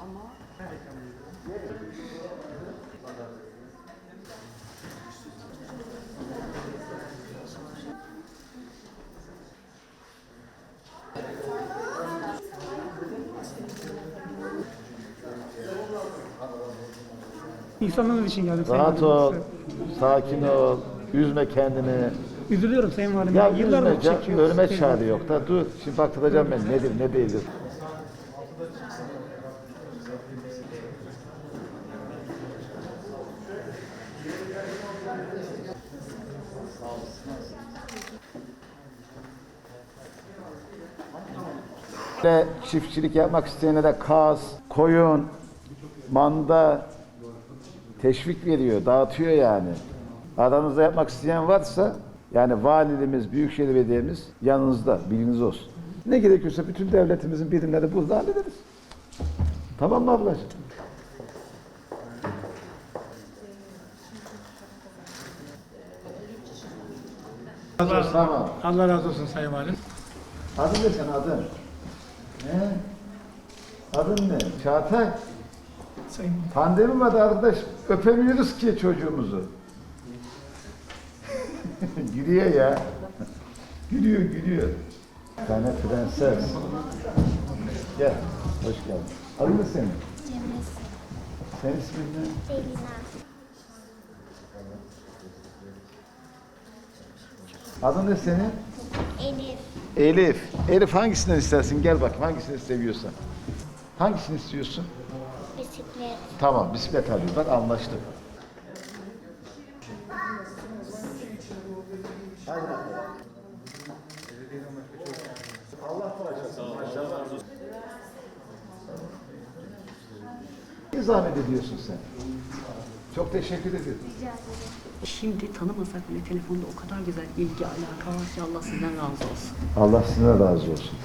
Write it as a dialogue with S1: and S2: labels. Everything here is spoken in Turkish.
S1: İnsanlar için geldim.
S2: Rahat ol, sakin ol, üzme kendini.
S1: Üzülüyorum Sayın Valim.
S2: Ya
S1: Yıllardır
S2: üzme,
S1: çekiyor.
S2: ölme çare yok da dur. Şimdi baktıracağım ben nedir ne değildir. Ve çiftçilik yapmak isteyene de kaz, koyun, manda teşvik veriyor, dağıtıyor yani. Aranızda yapmak isteyen varsa yani valiliğimiz, büyükşehir belediyemiz yanınızda, bilginiz olsun. Ne gerekiyorsa bütün devletimizin birimleri burada hallederiz. Tamam mı ablacığım? Tamam.
S1: Allah razı olsun Sayın Valim.
S2: Adın ne senin adın? Ne? Adın ne? Çağatay.
S1: Sayın
S2: Pandemi vardı arkadaş. Öpemiyoruz ki çocuğumuzu. Gülüyor ya. Gülüyor, gülüyor. Bir tane prenses. Gel, hoş geldin. Adın ne senin?
S3: Cemre.
S2: Senin ismin ne?
S3: Elina.
S2: Adın ne senin?
S3: Elif.
S2: Elif. Elif hangisinden istersin? Gel bak hangisini seviyorsan. Hangisini istiyorsun?
S3: Bisiklet.
S2: Tamam, bisiklet alayım. Bak anlaştık. Allah bağışlasın. Maşallah. Ne zahmet ediyorsun sen? Çok teşekkür ederim.
S4: Şimdi tanımasak bile telefonda o kadar güzel ilgi, alaka var ki Allah sizden razı olsun.
S2: Allah sizden razı olsun.